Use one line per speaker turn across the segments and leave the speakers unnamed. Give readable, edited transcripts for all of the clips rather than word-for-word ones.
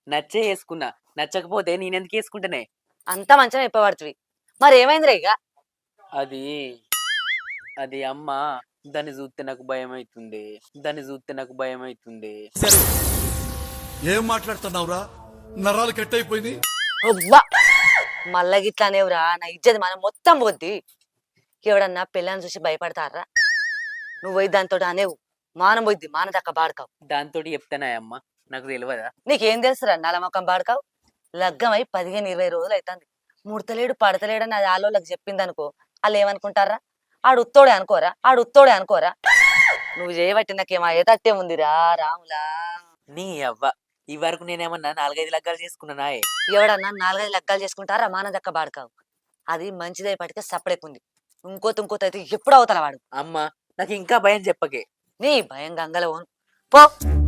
నచ్చే వేసుకున్నా. నచ్చకపోతే నేనెందుకు వేసుకుంటానే?
అంత మంచిగా చెప్పబడుతుంది. మరి ఏమైందిరా ఇక?
అది అది అమ్మ. దాన్ని చూస్తే నాకు భయం అవుతుంది. దాన్ని చూస్తే నాకు భయం అవుతుంది.
ఏం మాట్లాడుతున్నావురా? నరాలు కట్ అయిపోయింది.
అబ్బా మళ్ళా గిట్లా అనేవురా, నా ఇజ్జది మనం మొత్తం పోద్ది. ఎవడన్నా పిల్లని చూసి భయపడతారా? నువ్వు పోయి దాంతో అనేవు, మానం పోయిద్ది, మాన దక్క బాడకావు.
దాంతో చెప్తానా అమ్మ? నాకు తెలియదా?
నీకేం తెలుసురా నలమకం బాడకావు? లగ్గమై 15-20 రోజులు అవుతుంది. ముడతలేడు పడతలేడని అది ఆలోళ్ళకి చెప్పింది అనుకో, వాళ్ళు ఏమనుకుంటారా? ఆడు ఉత్తోడే అనుకోరా, ఆడు ఉత్తోడే అనుకోరా? నువ్వు చేయబట్టి నాకేమో అయ్యేటట్టే ఉందిరా రాములా.
నీ అవ్వ, ఈ వరకు నేనేమన్నా 4-5 లగ్గాలు చేసుకున్నానా?
ఎవడన్నా 4-5 లగ్గాలు చేసుకుంటారా మాన దక్క బాడకావు? అది మంచిదై పడితే సపడేకుంది. ఇంకోతి అయితే ఎప్పుడు అవుతారా వాడు?
అమ్మ, నాకు ఇంకా భయం చెప్పకే.
నీ భయం గంగల ఓను పో.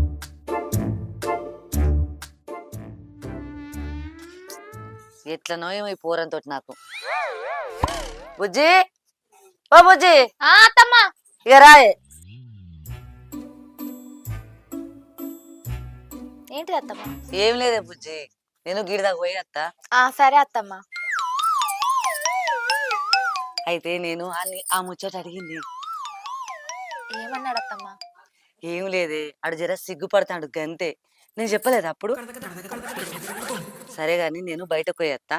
ఎట్లనో ఏమో ఈ పోరంతో నాకు. బుజ్జి, ఓ బుజ్జి.
అత్తమ్మా.
ఇక రాయే.
ఏంటిది అత్తమ్మా?
ఏం లేదే బుజ్జి, నేను గిడిదాకా పోయి అత్తా.
సరే అత్తమ్మా.
అయితే నేను ఆ ముచ్చట అడిగింది.
ఏమన్నాడు అత్తమ్మా?
ఏం లేదే, అడు జర సిగ్గుపడతాడు గంతే. నేను చెప్పలేదు అప్పుడు. సరే గాని నేను బయటకు పోయేస్తా.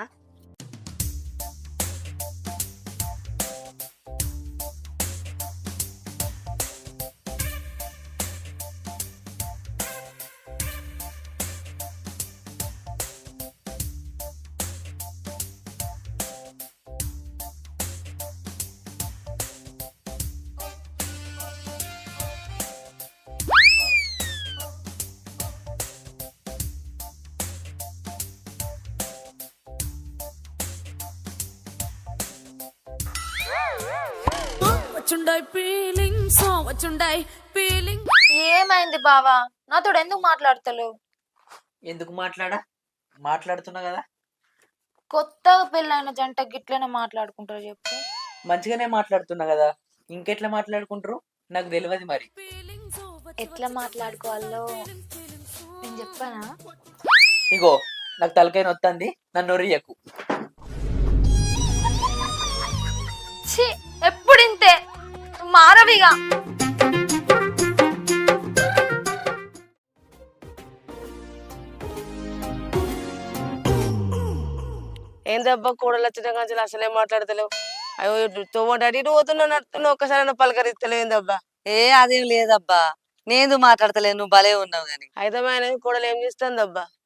ఏమైంది బావా? నాతోడు ఎందుకు మాట్లాడతలేవు?
ఎందుకు మాట్లాడుతున్నా కదా.
కొత్తగా పెళ్ళైన జంట గిట్లనే మాట్లాడుకుంటారు చెప్పు.
మంచిగానే మాట్లాడుతున్నా కదా, ఇంకెట్లా మాట్లాడుకుంటారు నాకు తెలియదు. మరి
ఎట్లా మాట్లాడుకోవాలో నేను చెప్పానా?
ఇగో, నాకు తలకాయ నొత్తంది, నన్ను రియకు.
ఎప్పుడు ఇంతే, మారవిగా.
ఏందబ్బా కూడలు వచ్చిన కానీ అసలే మాట్లాడతలేవు? అయ్యో తోమటి అటు ఇటు పోతున్నావు, నడుతున్నావు, ఒక్కసారి పలకరిస్తలేవు ఏందబ్బా?
అదేం లేదబ్బా, నేను మాట్లాడతలేదు, నువ్వు భలే ఉన్నావు గాని.
అయితే కూడలు ఏం చేస్తుందబ్బా?